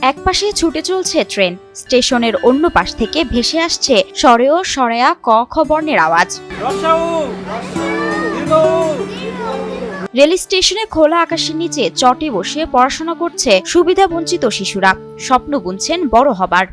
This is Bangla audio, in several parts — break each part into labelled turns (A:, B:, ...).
A: একপাশে ছুটে চলছে ট্রেন, স্টেশনের অন্য পাশ থেকে ভেসে আসছে সরেও সরেয়া ক খ বর্ণের আওয়াজ। রেল স্টেশনে খোলা আকাশের নিচে চটে বসে পড়াশোনা করছে সুবিধাবঞ্চিত শিশুরা। স্বপ্ন বুনছেন বড় হবার।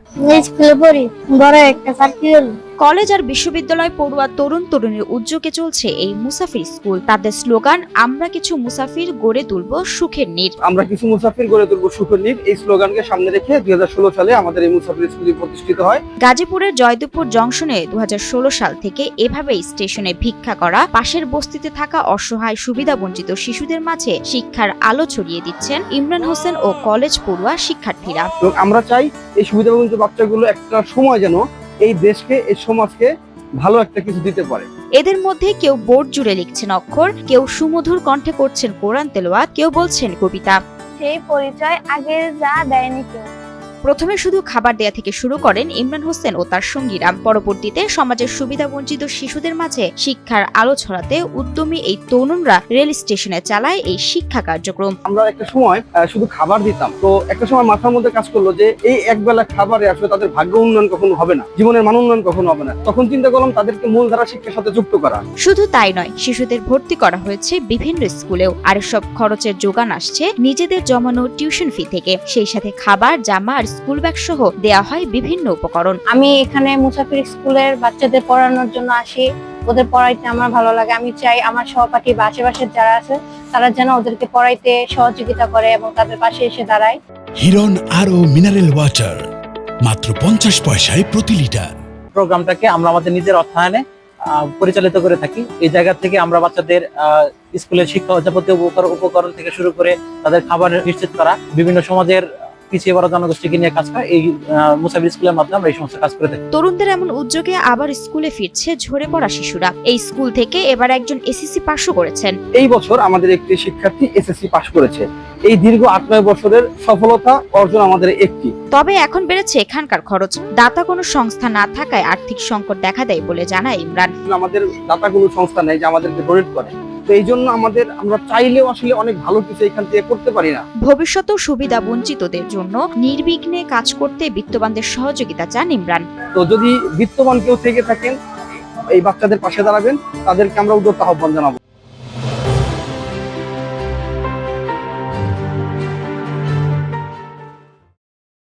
A: কলেজ আর বিশ্ববিদ্যালয় পড়ুয়া তরুণ তরুণীর উদ্যোগে চলছে এই মুসাফির স্কুল। তাদের স্লোগান, আমরা কিছু মুসাফির গড়ে তুলব সুখের নীড়।
B: আমরা কিছু মুসাফির গড়ে তুলব সুখের নীড়, এই স্লোগানকে সামনে রেখে 2016 সালে আমাদের এই মুসাফির স্কুলটি প্রতিষ্ঠিত হয়।
A: গাজীপুরের জয়দেবপুর জংশনে 2016 সাল থেকে এভাবেই স্টেশনে ভিক্ষা করা পাশের বস্তিতে থাকা অসহায় সুবিধাবঞ্চিত শিশুদের মাঝে শিক্ষার আলো ছড়িয়ে দিচ্ছেন ইমরান হোসেন ও কলেজ পড়ুয়া শিক্ষার্থীরা।
B: এবং আমরা চাই এই সুবিধাবঞ্চিত বাচ্চাগুলো একটা সময় যেন এই দেশকে, এই সমাজকে ভালো একটা কিছু দিতে পারে।
A: এদের মধ্যে কেউ বোর্ড জুড়ে লিখছেন অক্ষর, কেউ সুমধুর কণ্ঠে করছেন কোরআন তেলাওয়াত, কেউ বলছেন কবিতা।
C: সেই পরিচয় আগে যা দেয়নি কেউ।
A: প্রথমে শুধু খাবার দেয়া থেকে শুরু করেন ইমরান হোসেন ও তার সঙ্গীরা। পরবর্তীতে সমাজের সুবিধাবঞ্চিত শিশুদের মাঝে শিক্ষার আলো ছড়াতে উদ্যমী এই তরুণরা রেল স্টেশনে চালায় এই শিক্ষা কার্যক্রম।
B: আমরা একটা সময় শুধু খাবার দিতাম, তো একটা সময় মাথার মধ্যে কাজ করলো যে এই একবেলা খাবারে আসলে তাদের ভাগ্য উন্নয়ন কখনো হবে না, জীবনের মান উন্নয়ন কখনো হবে না। তখন চিন্তা করলাম তাদেরকে মূলধারা শিক্ষার সাথে যুক্ত করা।
A: শুধু তাই নয়, শিশুদের ভর্তি করা হয়েছে বিভিন্ন স্কুলেও। আর সব খরচের যোগান আসছে নিজেদের জমানো টিউশন ফি থেকে। সেই সাথে খাবার, জামা আর স্কুল ব্যাগ সহ দেয়া হয় বিভিন্ন উপকরণ।
C: আমি এখানে মুসাফির স্কুলের বাচ্চাদের পড়ানোর জন্য আসি। ওদের পড়াইতে আমার ভালো লাগে। আমি চাই আমার সহপাঠী বা আশেপাশের যারা আছে তারা যেন ওদেরকে পড়াইতে সহযোগিতা করে এবং তাদের পাশে এসে দাঁড়ায়।
D: হিরন আরও মিনারেল ওয়াটার মাত্র 50 পয়সায় প্রতি লিটার।
E: প্রোগ্রামটাকে আমরা আমাদের নিজের অর্থায়নে পরিচালিত করে থাকি। এই জায়গা থেকে আমরা বাচ্চাদের স্কুলের শিক্ষা যাবতীয় উপকরণ থেকে শুরু করে তাদের খাবার নিশ্চিত করা, বিভিন্ন সমাজের পিছিয়ে পড়া জনগোষ্ঠীকে নিয়ে কাজ করা, এই মুসাফির স্কুলের মাধ্যমে আমরা এই সমস্ত কাজ করে থাকি।
A: তরুণদের এমন উদ্যোগে আবার স্কুলে ফিরছে ঝরে পড়া শিশুরা। এই স্কুল থেকে এবার একজন এসএসসি পাশও করেছেন।
B: এই বছর আমাদের একটি শিক্ষার্থী এসএসসি পাশ করেছে। এই দীর্ঘ 8-9 বছরের সফলতা অর্জন আমাদের একটি।
A: তবে এখন বেড়েছে এখানকার খরচ। দাতা কোনো সংস্থা না থাকায় আর্থিক সংকট দেখা দেয় বলে জানায় ইমরান।
B: আমাদের দাতা কোনো সংস্থা নেই যে আমাদেরকে ডোনেট করে, তো এই জন্য আমরা চাইলেও আসলে অনেক ভালো কিছু এখান থেকে করতে পারি না।
A: ভবিষ্যতেও সুবিধা বঞ্চিতদের জন্য নির্বিঘ্নে কাজ করতে বিত্তবানদের সহযোগিতা চান ইমরান।
B: তো যদি বিত্তবান কেউ থেকে থাকেন, এই বাচ্চাদের পাশে দাঁড়াবেন, তাদেরকে আমরা উদ্যোক্তা আহ্বান জানাবো।